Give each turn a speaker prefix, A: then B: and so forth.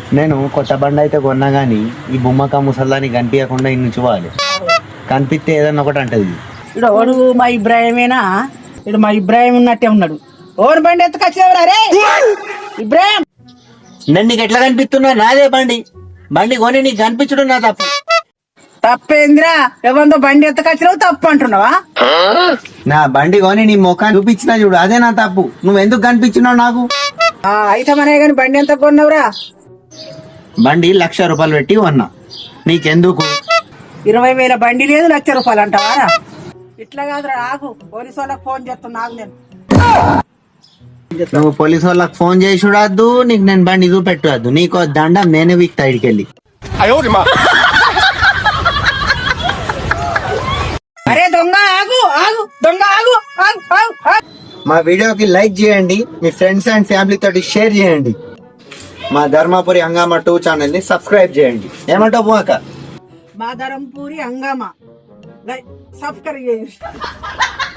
A: నేను కొత్త బండి అయితే కొన్నా గానీ ఈ బొమ్మక ముసల్దాన్ని కనిపించకుండా ఇన్ని నుంచుకోవాలి. కనిపిస్తే ఏదన్నా ఒకటి అంటది.
B: ఇక్కడ ఓడు మా ఇబ్రాహిమేనా? ఇక్కడ మా ఇబ్రాహిం ఉన్నట్టే ఉన్నాడు. ఓరు బండి ఎత్తుకొచ్చేవరా రే ఇబ్రాహిం?
A: నేను నీకు ఎట్లా కనిపిస్తున్నా? నాదే బండి. బండి కొని నీకు కనిపించడం నా తప్పు.
B: తప్పేంద్రా? ఎవరితో బండి ఎత్తుకొచ్చినావు తప్పు అంటున్నావా?
A: నా బండి కొని నీ ముఖాన్ని చూపించినా చూడు, అదే నా తప్పు. నువ్వు ఎందుకు కనిపించినావు నాకు?
B: అయితే మనే గాని బండి ఎంత కొన్నావురా?
A: బండి ₹1,00,000 పెట్టి కొన్నా. నీకెందుకు?
B: 20,000 బండి లేదు, ₹1,00,000 అంటావారా? ఇట్లా కాదురా, ఆగు. పోలీసు వాళ్ళకి ఫోన్ చేస్తున్నా, ఆగు. నేను
A: నువ్వు పోలీసు వాళ్ళకి ఫోన్ చేసి చూడద్దు, నీకు నేను బండి చూపెట్టద్దు. నీకు దండం నేనే వీక్తా ఇడికెళ్ళి.
B: అరే దొంగ ఆగు, ఆగు, దొంగ ఆగు, ఆగు, ఆగు, ఆగు.
A: మా వీడియోకి లైక్ చేయండి, మీ ఫ్రెండ్స్ అండ్ ఫ్యామిలీ తోటి షేర్ చేయండి. మా ధర్మపురి హంగామా 2 ఛానల్ ని సబ్స్క్రైబ్ చేయండి. ఏమంటావు పోక?
B: మా ధరంపూరి హంగామా సబ్స్క్రైబ్ చేయండి.